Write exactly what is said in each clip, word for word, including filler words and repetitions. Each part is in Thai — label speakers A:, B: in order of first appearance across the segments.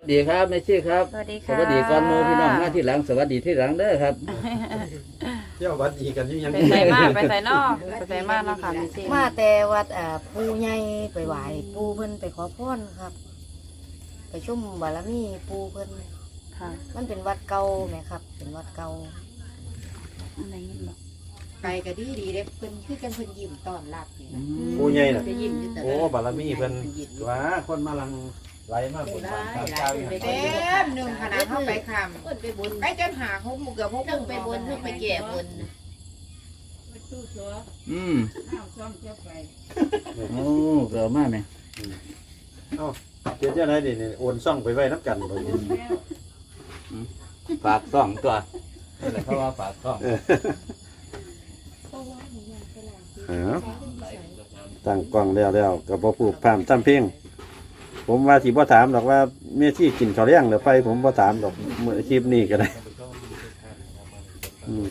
A: ดีครับแม่ชี่ครับ
B: สวัสดี
A: ส
B: ค่ะ
A: วัสดีก่อนโมพี่น้องมาที่หลังสวัสดีที่หลังเด้อครับ
C: เที่ยววัดดีกันยัง
B: ไปใส่มากไปใส่นอกไปใส่มากเนาะค่ะพี่ซี
D: มาแต่วัดอ่าปู่ใหญ่ไปไหว้ปู่เพิ่นไปขอพรครับ ไปชมบารมีปู่เพิ่น
B: ค่ะ
D: มันเป็นวัดเก่าแหมครับ เป็นวัดเก่า
B: อะไรเงี้ยบอก
E: ไปก็ดีดีเด้เพิ่นคือจังเพิ่นยิ้มต้อนรับนี่นะ
C: ผู้ใหญ่น่ะ
E: จะยิ้มอยู่ตลอด
C: โอ้บารมีเพิ่นว่าคนมาลังไหลมากคนมาตามเจ้าอยู่
E: เต็มหนึ่งขนาดเข้าไปคำ
F: เพิ่นไปบน
E: ไปจนหาหกโมงเกือบหกโม
F: เพิ่ง
E: ง
F: ไปบนเพิ่งไปแก่บน
A: อืมโอ้เกิดมากไหม
C: เอ้าเจ้าเจ้าไหนดิเนี่ยโอนซ่องไปไว้น้ำกันเลย
A: ฝากซ่องตัวนี่แหละเพราะว่าฝากซ่อง
C: เออตั้งกล้องแล้วแล้วกับพ่อผูกพามตั้มเพ่งผมว่าที่พ่ถามดอกว่าเมียที่กินข้าวเลี้ยงหรือไปผมพ่ถามดอกเมื่อคลิปนี้ก็ได้อืม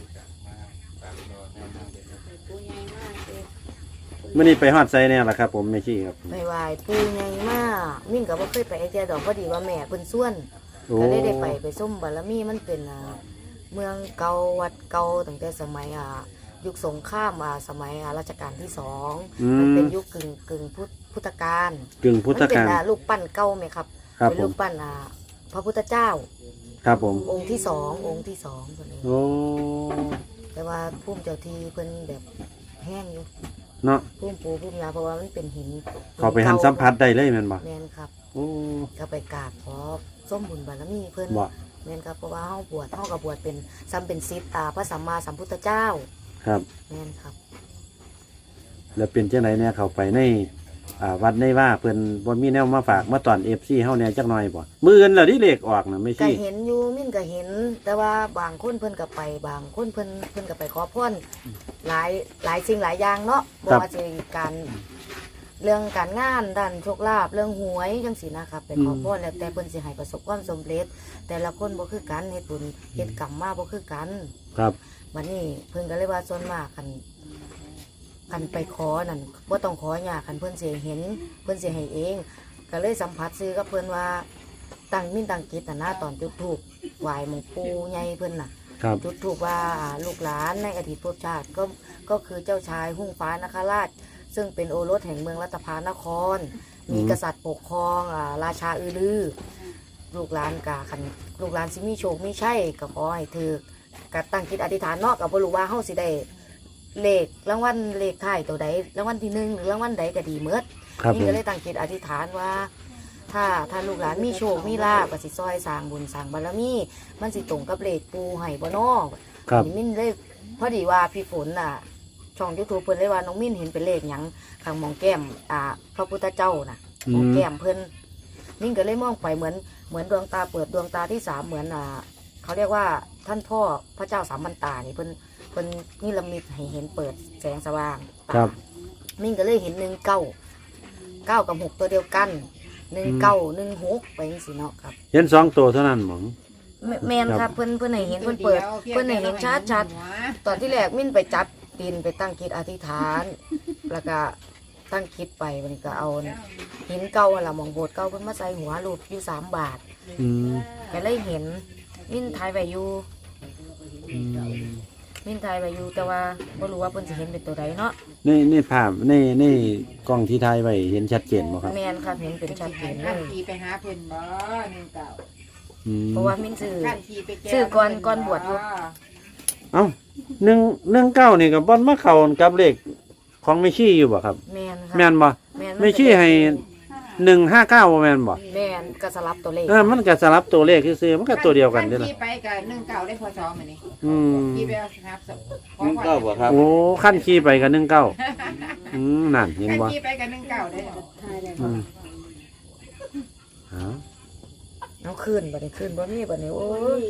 C: เมื่อนี้ไปฮอดไซเนี่ยแหละครับ ผมเมียที่ครับ
D: ไปไหว้ปู่ใหญ่มากมิ่งก็บ่เคยไปไอเดียดอกพอดีว่าแม่เพิ่นส่วน
C: โอ้
D: ก็เลยได้ไปไปชมบารมีมันเป็นอ่าเมืองเก่าวัดเก่าตั้งแต่สมัยอ่ายุคสงครามอ่าสมัยอ่ารัชกาลที่สอง
C: อื
D: มัน
C: ม
D: เป็นยุคกึ่งกึ่งพุทธพุทธกาล
C: กึ่งพุทธ
D: มันเป็น
C: กาล
D: อ่ารูปปั้นเก่าไหมครับ
C: ครับ
D: เป็น
C: ผ
D: รู
C: ม
D: ปปั้นอ่าพระพุทธเจ้า
C: ครับผม
D: องค์ที่สององค์ที่สองคนนี้
C: โอ้
D: แต่ว่าพุ่มเจ้าที่เพิ่นแบบแห้งอยู่
C: เนาะ
D: พุ่มปูพุ่มยาเพราะว่ามันเป็นหิน
C: เขาไปหันสัมผัสได้เลยแม่นบ่
D: แมนครับ
C: โอ้
D: ก็ไปกราบขอส้มบุญบารมีเพิ่น
C: บ่
D: แมนครับเพราะว่าเฮาบวชเฮากับบวชเป็นซ้ำเป็นศิษย์ตาพระสัมมาสัมพุทธเจ้า
C: ครับ
D: แมนครับ
C: แล้วเป็นจังไดเนี่ยเขาไปในอ่าวัดในว่าเพิ่นบ่มีแนวมาฝากมาตอน เอฟ ซี เฮาแหน่จักหน่อยบ่มื้ออื่นแล้วที่เลขออกน่ะไม่
D: ก็
C: ใช่
D: เห็นอยู่มิ่นก็เห็น แต่ว่าบางคนเพิ่นก็ไปบางคนเพิ่นเพิ่นก็ไปขอพรหลายหลายสิ่งหลายอย่างเนาะบ่ว่าจะการเรื่องการงานด้านโชคลาภเรื่องหวยจังซี่นะครับไปขอพรแล้วแต่เพิ่นสิให้ประสบความสำเร็จ แต่ละคนบ่คือกันเฮ็ดบุญเฮ็ดกรรมมาบ่คือกัน
C: ครับ
D: บัดนี้เพิ่นก็เลยว่าส่วนมากคันคันไปขอนั่นบ่ต้องขอยากคันเพิ่นสิเห็นเพิ่นสิให้เอง ก็เลยสัมผัสซื้อกับเพิ่นว่าตั้งมิ่นตั้งจิตน่ะนะตอนจุดธูปไหว้หมู่ปู่ใหญ่เพิ่นน่ะ
C: ครับ
D: จุดธูปว่าอ่าลูกหลานในอดีตภพชาติก็ก็คือเจ้าชายหุ่งฟ้านคราช ซึ่งเป็นโอรสแห่งเมืองรัตภานคร มีกษัตริย์ปกครองอ่าราชาอือลือ ลูกหลานกะคันลูกหลานสิมีโชคมีชัยก็ขอให้ถือกกตั้งจิตอธิษฐานเนาะก็บ่รู้ว่าเฮาสิได้เลขรางวัลเลขท้ายตัวใดรางวัลที่หนึ่งหรือรางวัลใดก็ดีเมิด
C: ครับ
D: นี่
C: ผม
D: ก็เลยตั้งจิตอธิษฐานว่า ถ้าถ้าลูกหลานมีโชคมีลาภก็สิซอยสร้างบุญสร้างบารมีมันสิตรงกับเลขปูให้บ่เนาะ
C: ครับ
D: นี่มินเลยพอดีว่าพี่ฝนน่ะ ช่อง YouTube เพิ่นเลยว่าน้องมินเห็นเป็นเลขหยังข้างหมองแก้มอ่าพระพุทธเจ้าน่ะหมองแก้มเพิ่นมินก็เลยมองไปเหมือนเหมือนดวงตาเปิดดวงตาที่สามเหมือนอ่าเขาเรียกว่าท่านพ่อพระเจ้าสามบรรตานี่เพิ่นเพิ่นนิรมิตให้เห็นเปิดแสงสว่างตา
C: ครับ
D: มินก็เลยเห็นหนึ่งเก้าเก้ากับหกตัวเดียวกันหนึ่งเก้าหนึ่งหกไปจังซี่เนาะครับ
C: เห็นสองตัวเท่านั้นหมอง
D: แม่แมนครับเพิ่นเพิ่นให้เห็นเพิ่นเปิดเพิ่นให้เห็นชัดชัดๆตอนที่แรกมินไปจับดินไปตั้งคิดอธิษฐาน แล้วก็ตั้งคิดไปวันนี้ก็เอาหินเก่าอะล่ะหมองโบสถ์เก่าเพิ่นมาใส่หัวรูปอยู่สามบาท
C: อืม
D: ก็เลยเห็นมินทายไว้อยู่
C: อืม
D: มินทายไว้อยู่แต่ว่าบ่รู้ว่าเพิ่นสิเห็นเป็นตัวใดเนาะ
C: ในในภาพในในกล้องที่ถ่ายไว้เห็นชัดเจนบ่ครับ
D: แม่นครับเห็นเป็นชัดเจนเล
E: ขั้น
D: ย
E: ทีไปหาเพิ่นบ่หนึ่งเก่า
C: อืม
D: เพราะว่ามินซื้อ
E: ขั้นทีไปแก้
D: ชื่อก่อนก่อนบวชอยู่
C: เอ้าหนึ่งหนึ่งเก้านี่ก็บ่มาเข้ากับเลขของไม่ชี้อยู่บ่ครับ
D: แม่นครับ
C: แม่นบ่
D: แม่น
C: ไม่ชี้ให้หนึ่งห้าเก้าบ่แม่นบ่
D: แม่นก็สลับตัวเลข
C: เออมันก็สลับตัวเลขซื่อๆมันก็ตัวเดียวกันเด้อ
E: ขั้
C: ล่ะ
E: ทีไปกับหนึ่งเก่าได้พอซ้อมอันนี้
C: อืม
E: ทีไปเอาครับ
A: หนึ่งเก้าบ่ครับ
C: โอ้ขั้นขี่ไปกับหนึ่งเก้าอืมนั่นเห็น
E: ขั้น
C: บ่
E: ทีไปกับหนึ่งเก่าได้
C: อืมเอา
D: เอาคืนบ่ได้คืนบ่มีบ่ได้โอ้ย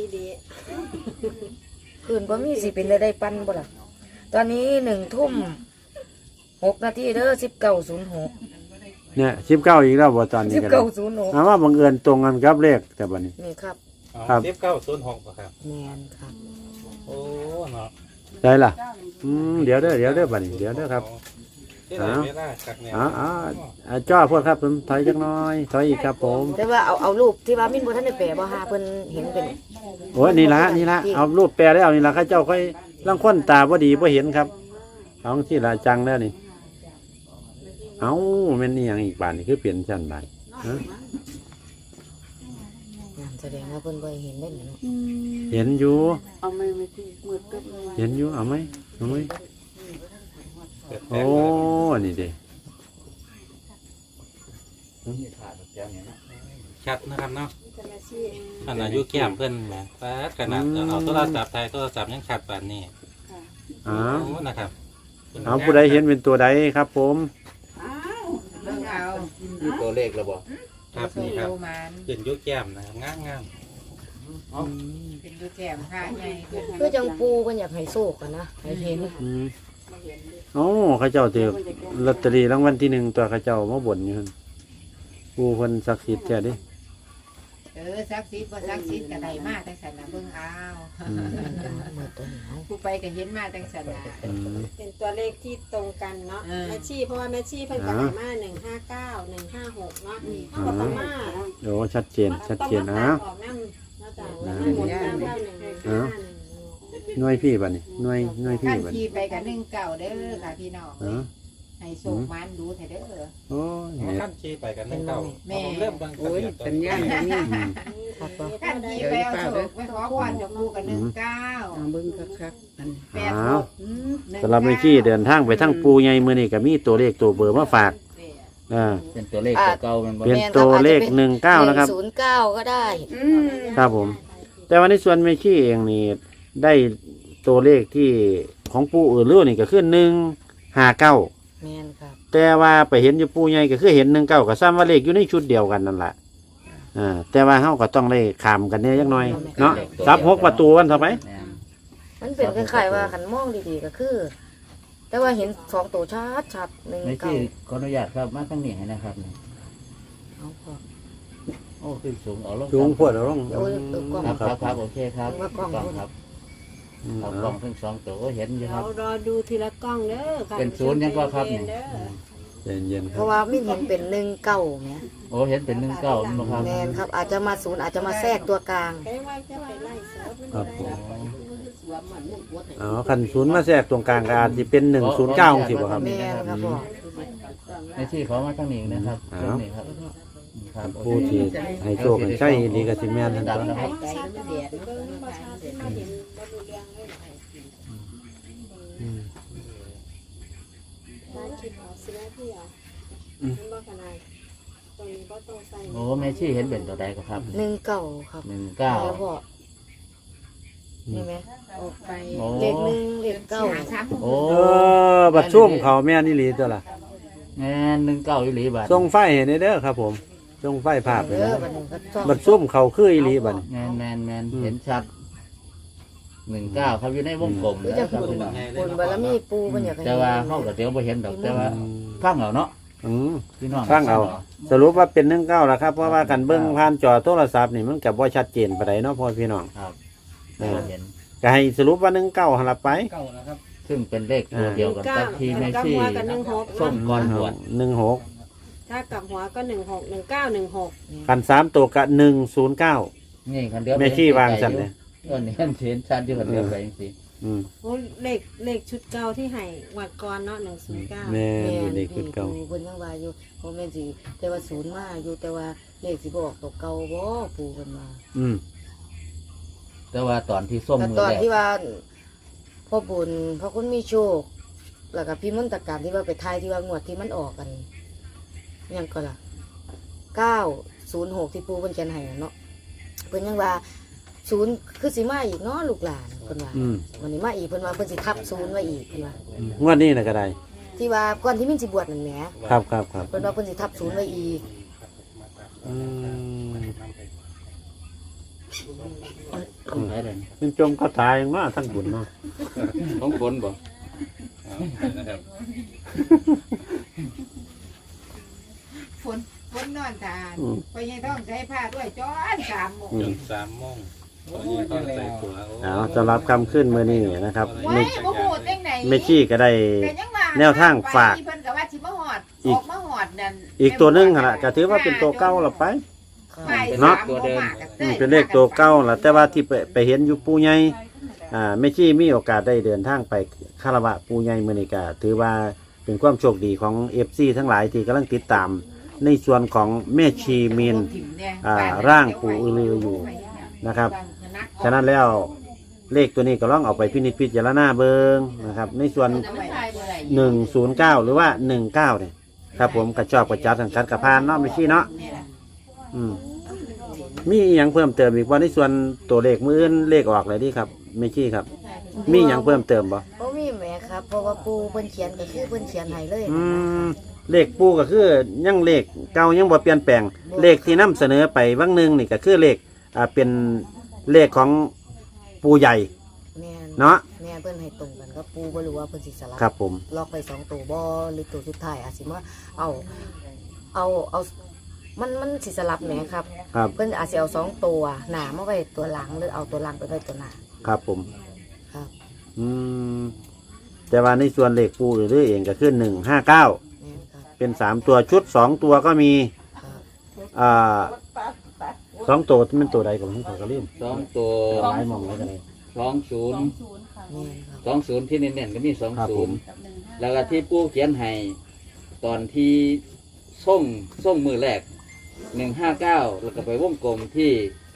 D: คืนบ่มีสิเป็นได้ได้ปั้นบ่ล่ะตอนนี้หนึ่งทุ่มหกนาทีเด้อสิบเก้าศูนย์หก
C: เนี่ยสิบเก้าอีกแล้วบ่ตอนนี้
D: สิบ
C: ก็
D: เก้า
C: ได้
D: ศูนย์หก
C: ถามว่าบังเอิญตรงกันกับเลขแต่บัดนี้
D: นี่ครับ
C: ครับ
G: สิบเก้าศูนย์หกครับ
D: แมนครับ
G: โอ้เนาะ
C: ได้ล่ะอืมเดี๋ยวเด้อเดี๋ยวเด้อบัดนี้เดี๋ยวเด้อครับ
G: สิ
F: ที่ไหนเวลากักเนี่ย
C: อ๋ออ๋ออ่าจ้อพวกครับผมถอยจักหน้อยถอยอีกครับผม
D: แต่ว่าเอาเอารูปที่ว่ามินบ่ทันได้แปลบ่หาเพิ่นเห็นเป็น
C: โอ้ยนี่ละนี่ละเอารูปแปลแล้วนี่ละข้าเจ้าค่อยลังคนตาบ่ดีบ่เห็นครับเอาที่ละจังแล้วนี่เอาแม่นนี่หยังอีกบาทนี่คือเปลี่ยนชั้นบาทฮะ
D: นั่นแสดงว่าเพิ่นบ่เห็นได้เนาะ
C: เห็นอยู่
B: เอามือมาที่มือตึ๊บเลย
C: เห็นอยู่เอาไหมเอาไหมโอ้นี่เด้
F: ชัดนะครับเนาะขนาดอายุแก้มเพิ่นแหมแต่ขนาดเอาโทรศัพท์ไทยโทรศัพท์ยังชัดปานนี้
C: อ้าว
F: โอ้นะครับ
C: เอาผู้ใดเห็นเป็นตัวใดครับผม
E: เบิ่งเอา
A: มีตัวเลขแล้วบ่
F: ครับนี่ครับ
E: ดูมัน
F: ขึ้นอายุแก้มนะครับงามงาม
E: เป็นดูแก้มผ้าใหญ่ขึ้น
D: คือจังปูเพิ่นอยากให้โชคกันนะให้เห็น
C: อืมโอ้ข้าเจ้าถือลอตเตอรี่รางวัลที่หนึ่งตัวข้าเจ้ามาบ่นอยู่หั่นผู้เพิ่นศักดิ์สิทธิ์แท้เดิ
E: เออซักซีดบ่ซักซีดก็ได้มาจังซั่นน่ะเบิ่งเอา
C: อืม
D: เมื่อตัวนี้เอา
E: ผู้ไปก็เห็นมาจังซั่นน่ะ
C: อืม
G: เป็นตัวเลขที่ตรงกันเนาะ
E: เออ
G: แม่ชีเพราะว่าแม่ชีเพิ่นก็
C: อ่า
G: ให้มาหนึ่งห้าเก้าหนึ่งห้าหกเนาะเขาก็ต้องมา
C: โอ้ชัดเจนชัดเจน
G: ต้อง
C: นะ
G: มาตัดออกนำนอกจากว่ามันหมดเก้าเก้าหนึ่งหนึ่งห้าหนึ่ง
C: หน่วยพี่บัดนี่หน่วยหน่วยพี่
E: ขั้น
C: บัด
E: ขี่
C: นี่
E: ไปกับหนึ่งเก่าเด้อค่ะพี่น้อง
C: เออ
E: ให้โศกมันดูเถอะเด้อ
C: โอ้ย
F: ๆ
C: เนี่ย
F: ขั้นชี้ไปกันหนึ่งเก้า
E: แม่
F: ผมเริ่มเบิ่งทะเบียนต้น
C: อืม
D: ครับบ่
E: ขั้นขี่ไปเอาโศกไปขอพรจากปูกับหนึ่งเก้า
B: เบิ้งคักๆนั่น
E: แปดหกอืมหนึ่ง
C: สำหรับเมื่อกี้เดินทางไปทั้งปูใหญ่มื้อนี้ก็มีตัวเลขตัวเบอร์มาฝากอ่า
A: เป็นตัวเลขตัวเก่ามันบ่
C: เป็นตัวเลขหนึ่งเก้านะครับ
D: ศูนย์เก้าก็ได้
C: ครับผม แต่ว่าในส่วนเมชี่เองนี่ได้ตัวเลขที่ของปูอื่นเรื่องนี่ก็คือหนึ่งห้าเก้า
D: แม่นครับ
C: แต่ว่าไปเห็นอยู่ปูใหญ่ก็คือเห็นหนึ่งเก้ากับซ้ำว่าเลขอยู่ในชุดเดียวกันนั่นแหละอ่าแต่ว่าเฮาก็ต้องได้ขามกันเนี่ยจักหน่อยเนาะซับหกประตูกันเท่าไหม
A: แม่น
D: มันเป็นคล้ายๆว่าขันมองดีๆก็คือ แต่ว่าเห็นสองตัวชัดชัดๆหนึ่ง
A: ไม่
D: เก้า
A: ที่ขออนุญาตครับมาทั้งนี้ให้นะครับ
D: เอาพอ
A: โอ้ขึ้นสูงเอาลง
C: สูงพวดเอาลง
D: โอ้ยเออกล้อง
A: ครับครับครับโอเคครับ
D: ว่ากล้อง
A: ครับ
C: อืม
A: เอา
C: เอา
A: กล้องทั้งสองตัวก็เห็นอยู่ค
G: เรา
A: รับ
G: รอดูทีละกล้องเด้อค่ะ
A: เป็นศูนย์ยังก็ครับนี่
G: เด้อ
C: เย็นๆค
D: เพ
C: รับ
D: ราะว่าไม่เห็นเป็นหนึ่งเก้าเนี่ย
A: โอ้เห็นเป็นหนึ่งเก้ามั้งครับ
D: แมนครับ อาจจะมาศูนย์อาจจะมาแทรกตัวกลาง
G: ใครว่าจะไปไล่เสือมัน
C: ครับผม
G: ได้
C: อ๋อคันศูนย์มาแทรกตรงกลางก็อาจจะเป็นหนึ่งศูนย์เก้าสิบครับ
D: แมนครับพ่อ
A: ไม่ที่ขอมาทั้งนี้นะครับ
C: เอา
A: ตรงนี้ครับครับโอ
C: ผู้
A: เค
C: ที่ให้โชคให้ใช่ดีกับสิแม่นทั้ง
A: ดั
C: นั้
A: ง
C: น
A: นะครับ
E: ใจมันเดียด
G: เบิ่งประชาชนมาเห็นบ่ดูเรื่องเลย
C: อืม
G: ร้านคิดเอาสิแม่พี่อ่ะมันบ่ขนาดตรงนี้บ่ต้องใส่
A: โอ้แม่ชี่เห็นเป็นตัวใดก็ครับ
D: หนึ่งเก้าครับ
A: หนึ่งเก้า
D: แล้วพ่อนี่ไหม
E: ออกไป
A: โอ้
D: เลขหนึ่งเลขเก้า
E: หาสาม
A: โอ้
C: เออบัดซุ่มเขาแม่นอี่หลีตัวล่ะ
A: แม่นหนึ่งเก้าอีหลีบาท
C: ส่งไฟเห็นเด้อครับผมส่งไฟภาพ
D: เอ
C: เลย
D: อ
C: นะ
D: บัดนี้ก็ต้อง
C: บัดซุ่มเขาคืออีหลีบัด
A: แมนแมนแมน
C: อืม
A: เห็นชัดหนึ่งเก้าครับอยู่ในวงกลม
D: คือ
A: นะ
D: จะ
A: ครับ
D: บุญ
A: พี่น้อง
D: บุญบารมีปูมันอยากให้
A: แต่ว่าเขาก็เดี๋ยวไปเห็นดอกแต่ว่าฟังเอาเนาะ
C: อืม
A: พี่น้อง
C: ฟังเอา สรุปว่าเป็นหนึ่งเก้าแล้วครับเพราะว่ากันเบิ้งผ่านจอโทรศัพท์นี่มันกับว่าชัดเจนปานใดเนาะพ่อพี่น้อง
A: ครับ
C: เออ
A: เห็น
C: ก็ให้สรุปว่าหนึ่งเก้าหันละไป
A: ซึ่งเป็นเลขตัวเดียวกันกับที่แม่
G: กับ
A: ชี่
G: หัวกับหนึ่งหก
A: ส้มก้อนบวช
C: หนึ่งหก
G: ถ้ากับหัวก็หนึ่งหกหนึ่งเก้าหนึ่งหก
C: กันสามตัวกับหนึ่งศูนย์เก้า
A: นี่คันเดียว
C: แม่ชี่วางสันเลย
A: เออนี่เห็นเห็นชัดอยู่คันเดียวไปจริง
C: อืม
G: โอ้เลขเลขชุดเก่าที่ให้หวัดก่อนเนาะหนึ่งศูนย์เก้า
C: แม่
D: แม่
C: อยู่
D: น
C: ในคุดเก่า
D: ปูเพิ่นยังว่าอยู่โมเมนสิแต่ว่าศูนย์มาอยู่แต่ว่าเลขสิบออกตัวเก่าบ่ปูเพิ่นมา
C: อืม
A: ๆแต่ว่าตอนที่ส้ม
D: แต่
A: มือ
D: ตอน
A: แรก
D: ที่ว่าพ่อบุญพ่อคุณมีโชค แล้วก็พี่มนตการที่ว่าไปทายที่ว่างวดที่มันออกกันยังก็ล่ะเก้าศูนย์หกที่ปูเพิ่นเขียนให้น่ะเนาะเพิ่นยังว่าศูนย์คือสิมาอีกเนาะลูกหลานเพิ่นว่า
C: อืม
D: วันนี้มาอีกเพิ่นว่าเพิ่นสิทับศูนย์ไว้อีกเพิ่นว่า
C: งวดนี้นะก็ได้
D: ที่ว่าก่อนที่มินสิบวชนั่นแหม
C: ครับครับครับ
D: เพิ่นว่าเพิ่นสิทับศูนย์ไว้อีก
C: อืม
A: ของไหนเลย
C: เป็นจมก็ตายมาทั้งบุญเนาะ
A: ของคนบ่
F: นะครับ
E: ฝนฝนนอนทานไปยังต้องใช้ผ้าด้วยจ้อนสามโมง
C: อื
F: จ
C: ม
F: นสามโมงตอนนี้ต้องใส่ตัวโ
C: เอาสำหรับคำขึ้นมือนี้นะครับ
E: ไว้
C: ไม่
E: บ่ฮู้จังไหน
C: ไม่ชี้ก็ได้
E: ก็ยังว่า
C: แนวทางฝาก
E: ไปเพิ่นก็ว่าสิออกมาหอดนั่น
C: อีกตัวหนึงหั่นล่ะก็ถือว่าเป็นตัวเก่าละไป
D: ค่ะ
E: ไป
C: เนาะ
E: สมบ่มก
C: อืมเป็นเลขตัวเก่าล่ะแต่ว่าที่ไปไปเห็นอยู่ปู่ใหญ่อ่าแม่ชีมีโอกาสได้เดินทางไปคารวะปู่ใหญ่มื้อนี้ก็ถือว่าเป็นความโชคดีของ เอฟ ซี ทั้งหลายที่กำลังติดตาม ในส่วนของแม่ชีมีน อ่าร่างปู่อือลืออยู่นะครับ ฉะนั้นแล้วเลขตัวนี้ก็ลองเอาไปพินิจพิจารณาเบิงนะครับ ในส่วนหนึ่งศูนย์เก้าหรือว่าหนึ่งเก้าเนี่ยครับผมกระชอบกระจัดสังกัดกระพานเนาะไม่ใช่เนาะอืมมีอหย่างเพิ่มเติมอีกว่าในส่วนตัวเลขมืออื่นเลขออกเลยดีครับไม่ใช่ครับ มีอหย่างเพิ่มเติมบ่
D: บ่มีแหมครับเพราะว่าปูเพิ่นเขียนก็คือเพิ่นเขียนให้เลย
C: อืมเลขปูก็คือยังเลขเก่ายังบ่เปลี่ยนแปลง เลขที่นำเสนอไปวังหนึ่งนี่ก็คือเลขอ่าเป็นเลขของปูใหญ่
D: แม่น
C: เนาะ
D: แม่เพิ่นให้ตรงกันก็ปูบ่รู้ว่าเพิ่นสิสลับ
C: ครับผม
D: ล็อกไปสองตัวบ่หรือตัวสุดท้ายอาจสิมาเอาเอาเอามันมันสิสลับแหมครับ
C: ครับ
D: เพิ่นอาจสิเอาสองตัวหน้ามาไว้ตัวหลังหรือเอาตัวหลังไปไว้ตัวหน้า
C: ครับผม
D: ครับ
C: อืมแต่ว่าในส่วนเลขปูหรือเองก็คือหนึ่งห้าเก้า
D: แม่นครับ
C: เป็นสามตัวชุดสองตัวก็มี
D: ครับ
C: อ่าสองตัวมันตัวใดของที่เขาก็เล่น
A: สองตัว
C: หลายหมองเลยกันเลย
A: สองศูนย์
D: แม่นครับ
A: สองศูนย์ที่เน้นๆก็มีสอง
C: ครับ
A: ศู
C: ผ
A: น
C: ม
A: ย์แล้วก็ที่ปู่เขียนให้ตอนที่ส่งส่งมือแรกหนึ่งห้าเก้าแล้วก็ไปวงกลมที่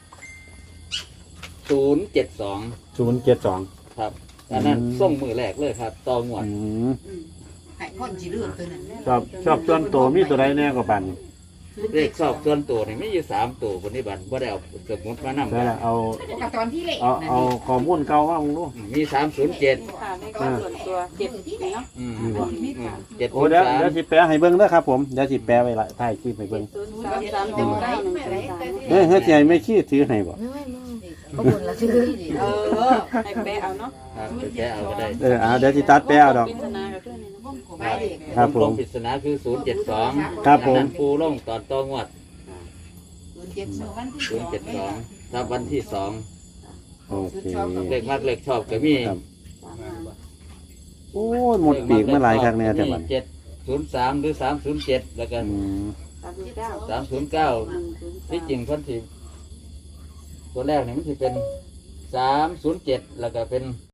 A: ศูนย์เจ็ดสอง
C: ศูนย์เจ็ดสอง
A: ครับอันนั้น
C: อืม
A: ส่งมือแรกเลยครับต่องวด
E: ให้คนสิเลือกตัวนั้น
C: ชอบชอบส่วนตัวมีตัวใดแน่กว่าปัน
A: เลขสอบส่วนตัวนี่ไม่อยู่สามตัวคนนี้บันว่าได้เอาสมุดมานำ
C: ใช่ละเอา
E: กับตอนที่เลข
C: เอา
E: นั่น
C: เอาข้อมูลเก่าว่ามึงดู
A: มีสามศูนย์เจ็ด
G: ค่ะในการส่วนตัวเจ็ดนี่เนาะ
C: นี่บ่
A: เจ็ด
C: โอ้
A: ศูนย์
C: เดี๋ยว
A: สาม
C: เดี๋ยวสิแปลให้เบิ่งเด้อครับผมเดี๋ยวสิแปลไว้ละถ่ายคลิปให้เบิ่ง
G: ศูนย์สามสามหนึ่งเก้าหนึ่งศูนย์สาม
C: เฮ้ยเฮ้ยสิให้ไม่ชี้ถือให้บ่
D: ไม่ไม่บ่บุญละคือ
G: เออให้แปะเอาเนาะ
A: ครับไปแก้เอาก็ได้
C: เออเอาเดี๋ยวสิตัดแปลเอาดอก
G: ปริศนากับเพื่อนนี่นะ
E: ไปเด็ก
C: ครับผม
A: วงกลปริศนาคือศูนย์เจ็ดสอง
C: ครับผม
A: ปูลงตอนต่องวด
E: ศูนย์เจ็ดสองวันที่
A: ศูนย์เจ็ดสองครับวันที่สอง
C: โอเค
A: เลขมากเลขชอบก็มี
C: ครับ โอ้ยหมดปีกเมื่อไหร่ครั้งเนี่ยแต่บัด
A: เจ็ดศูนย์สามหรือสามศูนย์เจ็ดแล้วก็
C: อืม
G: สามสิบเก้า
A: สามศูนย์เก้า
G: หนึ่งศูนย์สาม
A: ที่จริงเพันธีตัวแรกเนี่ยมันจะเป็นสามศูนย์เจ็ดแล้วก็เป็น